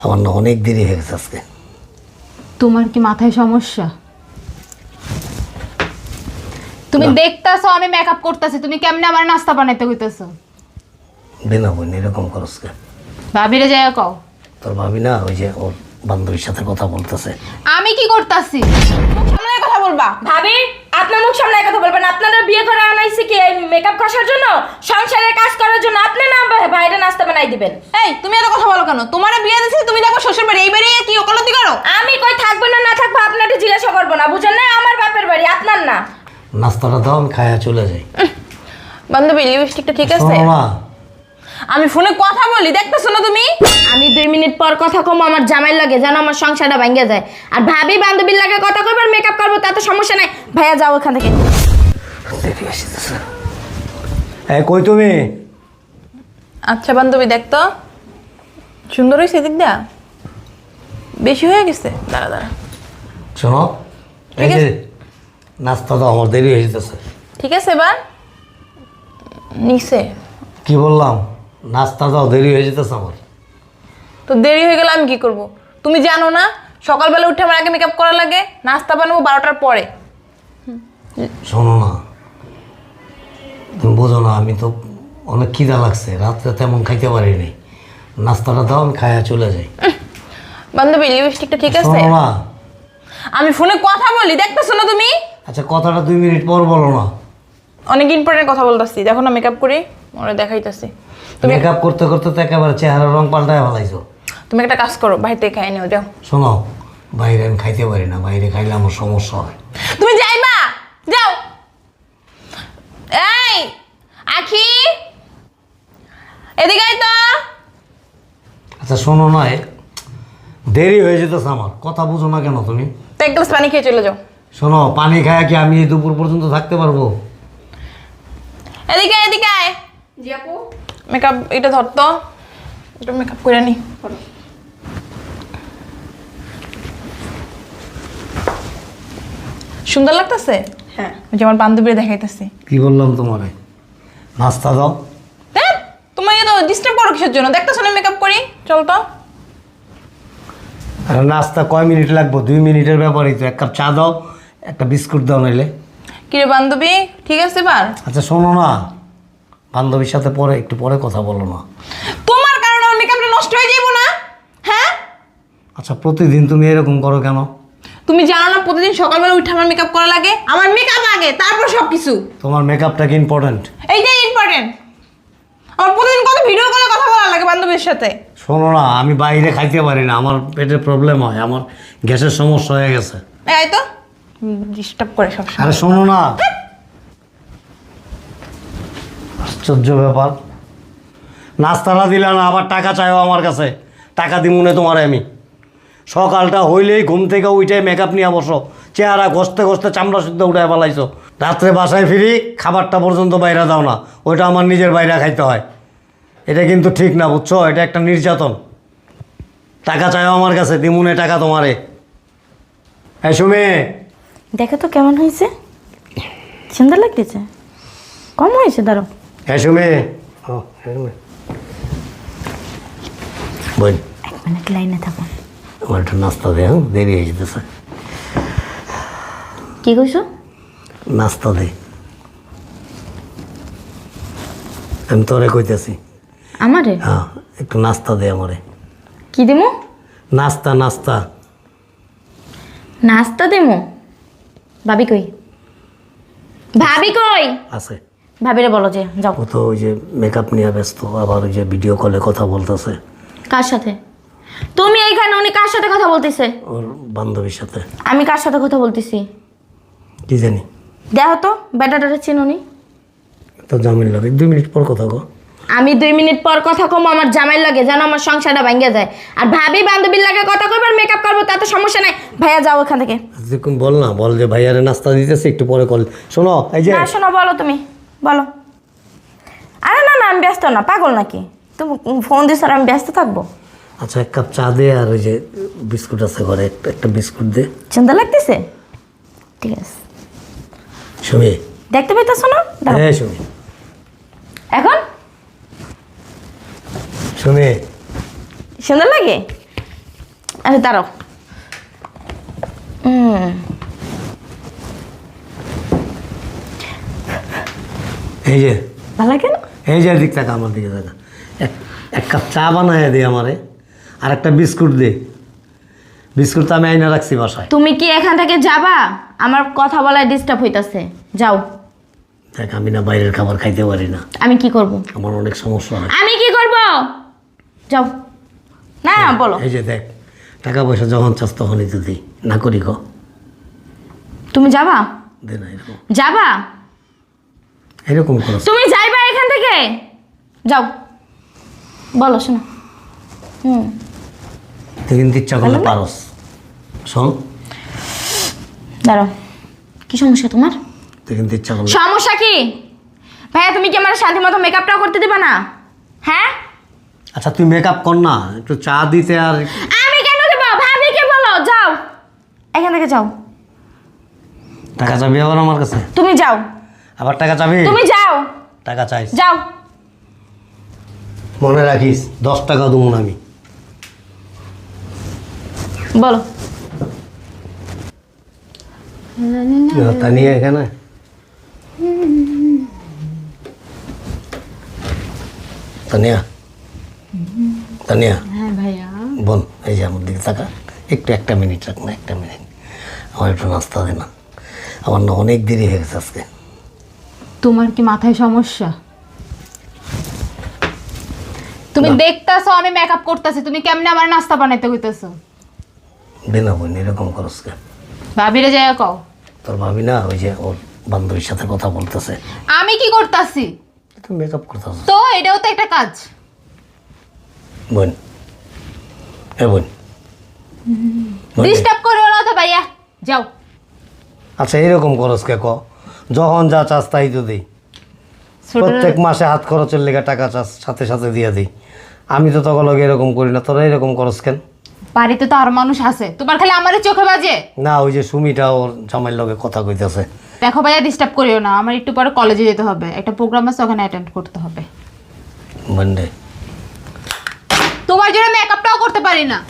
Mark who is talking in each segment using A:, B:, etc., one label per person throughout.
A: আমার না অনেক দেরি হয়ে গেছে আজকে।
B: তোমার কি মাথায় সমস্যা? তুমি দেখতাছো আমি মেকআপ করতেছি, তুমি কেমনে আমার নাস্তা বানাইতে কইতাছো?
A: বিনা বোন এরকম করস কে?
B: ভাবিরে যাইয়া কও।
A: তোর ভাবি না ওই যে ওর বান্ধবীর সাথে কথা বলতেছে।
B: আমি কি করতাছি?
C: মুখ সামলায় কথা বলবা। ভাবি, আপনার মুখ সামলায় কথা বলবেন। আপনারা বিয়ে করে আনাইছে কি এই মেকআপ কষার জন্য, সংসারের কাজ করার জন্য? আপনি না বাইরে নাস্তা বানাই দিবেন।
D: এই তুমি এত কথা বলো কেন? তোমার বিয়ে দিয়েছি, তুমি দেখো শ্বশুর বাড়ি, এই বাড়ি কি ওকালতি করো?
C: আমি কই থাকবো না না থাকবো আপনাকে জিজ্ঞাসা করবো না, বুঝেন না? আমার বাপের বাড়ি, আপনার না।
A: নাস্তাটা দাও, আমি খায়া চলে যাই।
D: বান্ধবী লিপস্টিকটা ঠিক আছে?
A: শোনো না,
D: আমি ফোনে কথা বলি, দেখতেছো না তুমি?
C: আমি 2 মিনিট পর কথা কম, আমার জামাই লাগে যেন আমার সংসারটা ভাঙিয়া যায়। আর ভাবি বান্ধবীর লাগে কথা কইবার মেকআপ করবো তাতে সমস্যা নাই। ভাইয়া যাও ওখান থেকে।
A: দেরি আসতেছে। এই কই তুমি?
D: আচ্ছা বান্ধবী দেখতো সুন্দর হয়েছে, দিক দা বেশি হয়ে গেছে। দাঁড়া দাঁড়া,
A: শোনো, এই
D: ঠিক
A: যে
D: আছে।
A: নাস্তা দাও, আমার দেরি হয়ে যেতেছে।
D: ঠিক আছে এবার নিচে
A: কি বললাম? নাস্তা দাও, দেরি হয়ে যেতেছে আমার।
D: তো দেরি হয়ে গেলে আমি কি করব? তুমি জানো না সকালবেলা উঠে আমার আগে মেকআপ করা লাগে, নাস্তা বানাবো 12টার পরে।
A: শোনো না, তুমি বোঝো না, আমি তো অনেক খিদা লাগছে, রাত্রে তেমন খাইতে পারিনি। নাস্তাটা দাও, আমি খায়া চলে যাই।
D: বান্ধবী লিপস্টিকটা ঠিক আছে?
A: শোনো না,
D: আমি ফোনে কথা বলি, দেখতেছো না তুমি?
A: আচ্ছা কথাটা 2 মিনিট পর বলো না।
D: অনেক ইম্পর্টেন্ট কথা বলতেছি, দেখো না মেকআপ করি, ওরা দেখাইতেছি। তুমি
A: মেকআপ করতে করতে তো একেবারে চেহারার রং পাল্টায় ফেলাইছো।
D: তুমি একটা কাজ করো, বাইরে থেকে খাই নিও, যাও।
A: শোনো, বাইরে আমি খাইতে পারি না, বাইরে খাইলে আমার সমস্যা হয়।
D: তুমি যাইবা, যাও। এই আখি, এদিকে আয় তো।
A: আচ্ছা শোনো না, দেরি হয়ে যেতেছে আমার, কথা বুঝো না কেন তুমি?
D: তো এক গ্লাস পানি খেয়ে চলে যাও।
A: শোনো, পানি খায়া কি আমি এই দুপুর পর্যন্ত থাকতে পারবো?
D: এদিকে এদিকে আয়।
C: জি আপু।
D: মেকআপ এটা ধরতো, একটু মেকআপ করে নি। সুন্দর লাগতেছে?
C: হ্যাঁ।
D: ওই যে আমার বান্ধবীরা দেখাইতেছি।
A: কি বললাম তোমারে? নাস্তা দাও।
D: দেখ তোমার তো ডিস্টার্ব করো কিসের জন্য? দেখতেছো না মেকআপ করি, চল তো।
A: আর নাস্তা কয় মিনিট লাগবে? 2 মিনিটের ব্যাপারই তো। 1 কাপ চা দাও, একটা বিস্কুট দাও নাইলে।
D: কিরে বান্ধবী, ঠিক আছে এবার?
A: আচ্ছা শোনো না, বান্ধবীর সাথে পরে একটু পরে কথা বলো না।
D: তোমার কারণে আমার মেকআপটা নষ্ট হয়ে যাইবো না? হ্যাঁ,
A: আচ্ছা প্রতিদিন তুমি এরকম করো কেন?
D: তুমি জানো না প্রতিদিন সকালবেলা উঠে আমার মেকআপ করা লাগে? আমার মেকআপ আগে, তারপর সব কিছু।
A: তোমার মেকআপটা কি ইম্পর্ট্যান্ট?
D: এইটাই ইম্পর্টেন্ট। আমার প্রতিদিন কত ভিডিও কলে কথা বলা লাগে বান্ধবীর সাথে।
A: শোনো না, আমি বাইরে খাইতে পারি না, আমার পেটে প্রবলেম হয়, আমার গ্যাসের সমস্যা হয়ে গেছে।
D: এই তো ডিস্টার্ব করে সবসময়।
A: আরে শোনো না, আশ্চর্য ব্যাপার, নাস্তাটা দিলা না, আবার টাকা চাইও আমার কাছে। টাকা দিব না তোমারে আমি। সকালটা হইলেই ঘুম থেকে উঠে মেকআপ নিয়ে বসো, চেহারা ঘষতে ঘষতে চামড়া শুদ্ধ উঠে ফেলাইছো। রাত্রে বাসায় ফিরি, খাবারটা পর্যন্ত বাইরে দাও না, ওইটা আমার নিজের বাইরে খাইতে হয়। এটা কিন্তু ঠিক না, বুঝছো? এটা একটা নির্যাতন। টাকা চাইও আমার কাছে, দিমুনে টাকা তোমারে। এই সুমি,
C: দেখো তো কেমন হয়েছে, সুন্দর লাগতেছে। কম হয়েছে ধরো।
A: এই সুমি, ও সুমি বোন,
C: 1 মিনিট লাইনে থাকো।
A: আমার একটু নাস্তা দে, হ্যাঁ দেরি হয়ে যেতেছে।
C: কি কইছো?
A: নাস্তা দে, আমি তোরে কইতেছি।
C: আমারে
A: হ্যাঁ একটু নাস্তা দে আমারে।
C: কি দিমু?
A: নাস্তা নাস্তা।
C: নাস্তা দিমু? ভাবি কই? ভাবি কই?
A: আছে,
C: ভাবিরে বলো যে যাও।
A: ও তো ওই যে মেকআপ নিয়ে ব্যস্ত, আবার ওই যে ভিডিও কলে কথা বলতেছে
C: কার সাথে? তুমি এইখানে, উনি কার সাথে কথা বলতেছে?
A: ওর বান্ধবীর সাথে।
C: আমি কার সাথে কথা বলতেছি?
A: কি জানি,
C: দেখো তো বেটাটারে চিনুনি?
A: তো জামিন লাগে। 2 মিনিট পর কথা গো।
C: আমি 2 মিনিট পর কথা কম, আমার জামাই লাগে যেন আমার সংসারটা ভাঙিয়া যায়। আর ভাবি বান্ধবীর লাগে কথা কইবার মেকআপ করবো তাতে সমস্যা নাই। ভাইয়া যাও ওখান থেকে।
A: দেখুন বল না, বল যে ভাইয়ারে নাস্তা দিতেছে, একটু পরে কল। শোনো এই যে,
C: না শোনো, বলো তুমি বলো। আরে না না, আমি ব্যস্ত না, পাগল নাকি তুমি? ফোন দিস আর আমি ব্যস্ত থাকবো?
A: আচ্ছা 1 কাপ চা দে, আর ওই যে বিস্কুট আছে ঘরে, একটা বিস্কুট দে।
C: চিন্তা লাগতেছে? ঠিক আছে,
A: সুমি,
C: দেখতে পাইতেছো না? দাও।
A: হ্যাঁ সুমি,
C: এখন
A: সুমি,
C: সুন্দর লাগে? আরে দাঁড়াও।
A: এই যে
C: ভালো লাগে না?
A: এই যে দিক টাকা আমার দিকে টাকা এক কাপ চা বানায় দে আমারে, আর একটা বিস্কুট দে। বিস্কুট তো আমি আইনা রাখছি বাসায়।
C: তুমি কি এখান থেকে যাবা? আমার কথা বলায় ডিস্টার্ব হইতাছে, যাও।
A: দেখ আমি না বাইরের খাবার খাইতে পারি না,
C: আমি কি করব?
A: আমার অনেক সমস্যা হয়।
C: আমি কি করব? যাও না, বলো।
A: এই যে দেখ, টাকা পয়সা যখন চাস তখনই তো দিই, না করি গো।
C: তুমি যাবা?
A: দে না, এরকম
C: যাবা?
A: এরকম করো।
C: তুমি যাইবা এখান থেকে? যাও, বলো। শোনো,
A: তুই কিন্তু ইচ্ছা করলে পারস। শোন,
C: দাঁড়াও। কি সমস্যা তোমার?
A: তুই কিন্তু ইচ্ছা করলে।
C: সমস্যা কি ভাইয়া? তুমি কি আমার শান্তি মতো মেকআপটাও করতে দিবা না? হ্যাঁ,
A: আচ্ছা তুই মেকআপ কর না, একটু চা দিতে। আর
C: আমি কেন দেবো? ভাবিকে বলো, যাও এখান থেকে, যাও।
A: টাকা চাবি আবার আমার কাছে?
C: তুমি যাও।
A: আবার টাকা চাবি?
C: তুমি যাও,
A: টাকা চাইস?
C: যাও।
A: মনে রাখিস 10 টাকা দেবো না আমি।
C: বলো।
A: তা নিয়ে এখানে তানিয়া, তানিয়া।
B: হ্যাঁ ভাইয়া।
A: বোন, এই যে আমার দিকে টাকা একটু, একটা মিনিট রাখ না, একটা মিনিট। আমার একটু নাস্তা দে না, আমার না অনেক দেরি হয়ে গেছে আজকে।
B: তোমার কি মাথায় সমস্যা? তুমি দেখতাছো আমি মেকআপ করতেছি, তুমি কেমনে আমার নাস্তা বানাইতে কইতাছো?
A: দে না বোন, এরকম করস কে?
B: ভাবিরে যাই কও।
A: তোর ভাবি না ওই যে ওর বান্ধবীর সাথে কথা বলতেছে।
B: আমি কি করতাছি?
A: তুই মেকআপ করতেছ
B: তো এটাও তো একটা কাজ।
A: বোন, এ বোন, বোন রে।
B: ডিস্টার্ব করিও না তো ভাইয়া, যাও।
A: আচ্ছা এরকম খরচ কে ক? যখন যা চাস তাই তো দিই।
B: ছোট
A: প্রত্যেক মাসে হাত খরচের লেগে টাকা চাস, সাথে সাথে দিয়ে দিই। আমি তো তখন লগে এরকম করি না, তোরা এরকম খরচ কেন?
B: বাড়িতে তো আর মানুষ আছে, তোমার খালি আমারে চোখে বাজে।
A: না, ওই যে সুমিটা ওর জামাইয়ের লগে কথা কইতেছে।
B: দেখো ভাইয়া, ডিস্টার্ব করিও না, আমার একটু পরে কলেজে যেতে হবে, একটা প্রোগ্রাম আছে, ওখানে অ্যাটেন্ড করতে হবে।
A: বন্ডে,
B: তোমার জন্য মেকআপটাও করতে পারি না।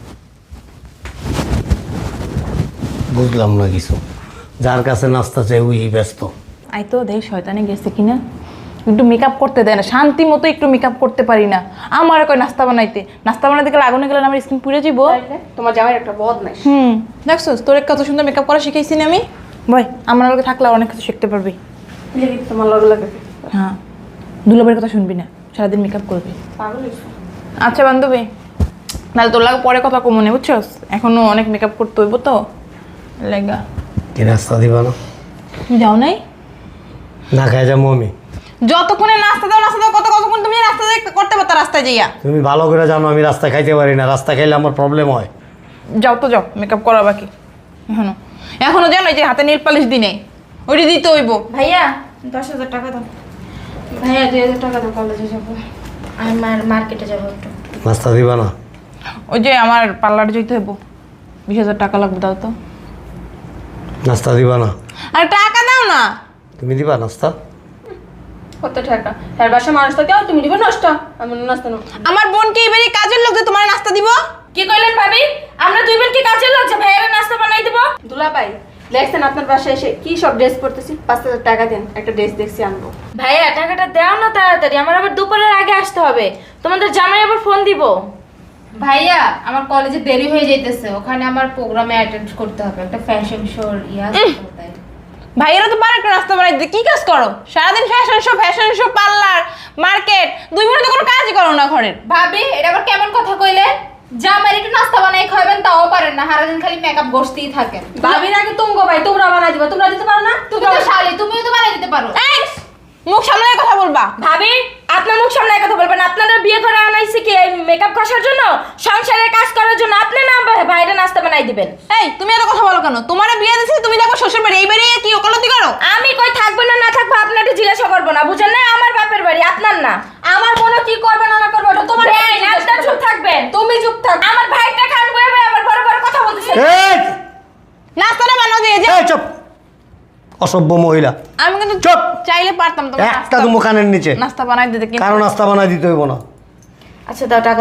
A: বুঝলাম না কিছু। যার কাছে নাস্তা চাই ওই ব্যস্ত।
D: আই তো দেখ শয়তানে গেছে কিনা, একটু মেকআপ করতে দেয় না, শান্তি মতো একটু মেকআপ করতে পারি না। আমার কই নাস্তা বানাইতে, নাস্তা বানাইতে গেলে আগুনে গেলে আমার স্কিন পুড়ে যাবো।
C: তোমার জামাই একটা বদ নাই।
D: দেখছো তোর কত সুন্দর মেকআপ করা শিখাইছি না আমি। ভাই আমার লগে থাকলে অনেক কিছু শিখতে পারবি।
C: তোমার লগে লাগে
D: হ্যাঁ, দুলাবের কথা শুনবি না, সারাদিন মেকআপ করবি।
C: পাগল।
D: আচ্ছা বান্ধবী, নাহলে তোর লাগে পরে কথা কমনে, বুঝছস? এখনো অনেক মেকআপ করতে হইব তো লেগা।
A: কি নাস্তা দিবা না?
D: তুমি যাও নাই?
A: না খাই যাবো আমি।
D: যতক্ষণে নাস্তা দাও কতক্ষণ তুমি রাস্তা করতে পারতা রাস্তায় যাইয়া।
A: তুমি ভালো করে জানো আমি রাস্তা খাইতে পারি না, রাস্তা খাইলে আমার প্রবলেম হয়।
D: যাও তো যাও, মেকআপ করা বাকি এখনো জানো এই যে হাতে নীল পালিশ দিনে ওইটা দিতে হইব।
C: ভাইয়া 10,000 টাকা দাও। ভাইয়া 2,000 টাকা দাও, কলেজে যাবো। আমি মার্কেটে যাবো একটু।
A: নাস্তা দিবা না?
D: ওই যে আমার পার্লারে যেতে হইব, 20,000 টাকা লাগবে, দাও তো।
A: নাস্তা দিবা না?
D: আর টাকা দাও না।
A: তুমি দিবা নাস্তা?
C: কত টাকা? তার বাসা মানুষ তো কেউ, তুমি দিবে নষ্ট। আমি নাস্তা নেব।
D: আমার বোনকে এবারে কাজের লোক যে তোমার নাস্তা দিব।
C: কি কইলেন ভাবি? আমরা দুই বোন কি কাজের লোক যে ভাইয়ারে নাস্তা বানাই দেব? দুলাভাই, দেখছেন আপনার বাসায় এসে কি সব ড্রেস পরতেছি? 5,000 টাকা দেন, একটা ড্রেস দেখছি আনবো। ভাইয়া টাকাটা দাও না তাড়াতাড়ি, আমার আবার দুপুরের আগে আসতে হবে। তোমাদের জামাই আবার ফোন দিব।
B: ভাইয়া আমার কলেজে দেরি হয়ে যাইতেছে, ওখানে আমার প্রোগ্রামে অ্যাটেন্ড করতে হবে, একটা ফ্যাশন শোর
D: ভাইয়েরা তো পারে একটা নাস্তা বানাই দিতে, কি কাজ করো সারাদিন? ফ্যাশন শো পার্লার মার্কেট, দুই বোনে তো কোনো কাজই করো না ঘরের।
B: ভাবি এটা আবার কেমন কথা কইলে? জামাই একটু নাস্তা বানাই খাবেন তাও পারেন না, সারাদিন খালি মেকআপ বসতেই থাকেন।
C: ভাবির আগে তুমগো ভাই, তোমরা বানাই দিবা, তোমরা দিতে পারো না?
B: তুমি তো শালি, তুমিও তো বানাই দিতে পারো।
D: এই, মুখ সামনে কথা বলবা।
C: ভাবি আপনার মুখ সামনে কথা বলবেন। আপনারা বিয়ে করে আনাইছে কি এই মেকআপ কষার জন্য, সংসারের কাজ করার জন্য? আপনি না ভাইরা নাস্তা বানাই দিবেন।
D: এই তুমি এত কথা বলো কেন? তোমারে বিয়ে দিয়েছি, তুমি দেখো শ্বশুর বাড়ি, এই বাড়ি কি ওকালতি করো?
C: আমি কই থাকবো না থাকবো আপনাকে জিজ্ঞাসা করবো না, বুঝেন না? আমার বাপের বাড়ি, আপনার না। আমার বোন কি করবে না করবে ওটা তোমার। আপনার চুপ থাকবেন, তুমি চুপ থাক। আমার ভাইটা খান বয়ে আবার বড় বড় কথা বলতেছে।
A: এই
D: নাস্তাটা বানাও দিয়ে যাও।
A: এই চুপ, অসভ্য মহিলা।
D: আমি কিন্তু
A: চুপ।
D: চাইলে পারতাম তোমার
A: একটা তুমি কানের নিচে।
D: নাস্তা বানাই দিতে, কিন্তু
A: কারণ নাস্তা বানাই দিতে হইব না।
C: আচ্ছা দাও, টাকা দাও।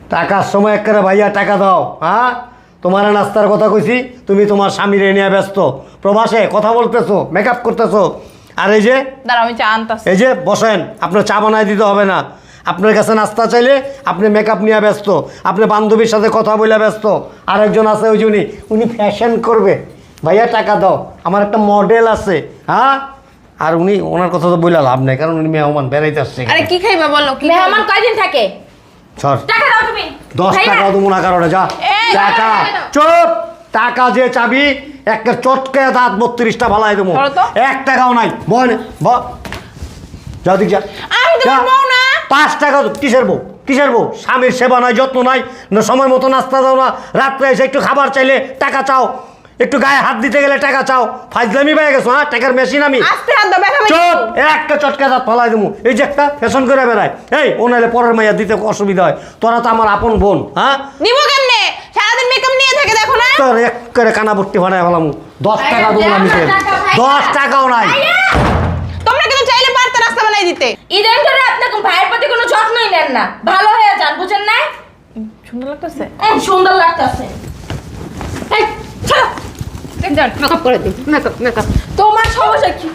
A: টাকার সময় একেবারে ভাইয়া টাকা দাও। হ্যাঁ, তোমার নাস্তার কথা কইছি, তুমি তোমার স্বামীর নিয়ে ব্যস্ত, প্রবাসে কথা বলতেছো, মেকআপ করতেছো। আর এই যে
D: দাঁড়া আমি চা আনতাছি।
A: এই যে বসেন, আপনার চা বানায় দিতে হবে না। আপনার কাছে নাস্তা চাইলে আপনি মেকআপ নিয়ে ব্যস্ত, আপনি বান্ধবীর সাথে কথা বলে ব্যস্ত। আরেকজন আছে ওই যে উনি ফ্যাশন করবে, ভাইয়া টাকা দাও, আমার একটা মডেল আছে। হ্যাঁ, আর ওনার কথা তো বইলা লাভ নাই, কারণ উনি মেহমান বেড়াইতে আসছে।
D: আরে কি খাইবা বলো? কি
C: মেহমান কয়দিন থাকে?
A: সর,
C: টাকা দাও তুমি।
A: 10
C: ভাইয়া,
A: টাকাও দেবো না কারণে। যা
D: এই,
A: টাকা, চুপ। টাকা যে চাবি একটা চটকে দাঁত 32টা ভালাই দেবো,
D: ধরো তো।
A: 1 টাকাও নাই। বল যাও দিক যা।
D: আমি তোমার বউ না।
A: 5 টাকা কিসের বউ? কিসের বউ? স্বামীর সেবা নাই, যত্ন নাই, না সময় মতো নাস্তা দাও না, রাত্রে এসে একটু খাবার চাইলে টাকা চাও, একটু গায়ে হাত দিতে গেলে টাকা চাও। ফাইজলামি পেয়ে গেছো? হ্যাঁ, টাকার মেশিন আমি।
D: আস্তে হাত দাও, ব্যথা
A: চুপ, একটা চটকা দাঁত ফালাই দেবো। এই যে একটা ফ্যাশন করে বেড়ায়, এই ও নাহলে পরের মাইয়া দিতে অসুবিধা হয়। তোরা তো আমার আপন বোন। হ্যাঁ,
D: নিবো কেমনে? সারাদিন মেকআপ নিয়ে থাকে দেখো না।
A: তোর এক করে কানা ভর্তি ভাড়ায় ফেলাম। 10 টাকা দেবো না মিশে, 10 টাকাও নাই।
D: তোমরা কিন্তু চাইলে পারতে নাস্তা বানাই দিতে।
C: ইদানিং ধরে আপনার ভাইয়ের প্রতি কোনো যত্নই নেন না, ভালো হয়ে যান, বুঝেন না?
D: সুন্দর লাগতেছে।
C: সুন্দর লাগতেছে। এই চলো মেকআপ করে দিই। মেকআপ তোমার সমস্যা কি?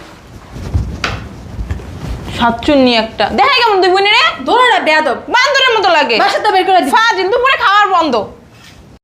D: সাতচুন্নি একটা দেখাই কেমন দুই বোনের রে?
C: ধরো না বেয়াদব,
D: বান্দরের মতো লাগে।
C: বাসাতে বের করে দিই।
D: ফাজিল দুপুরে খাওয়ার বন্ধ।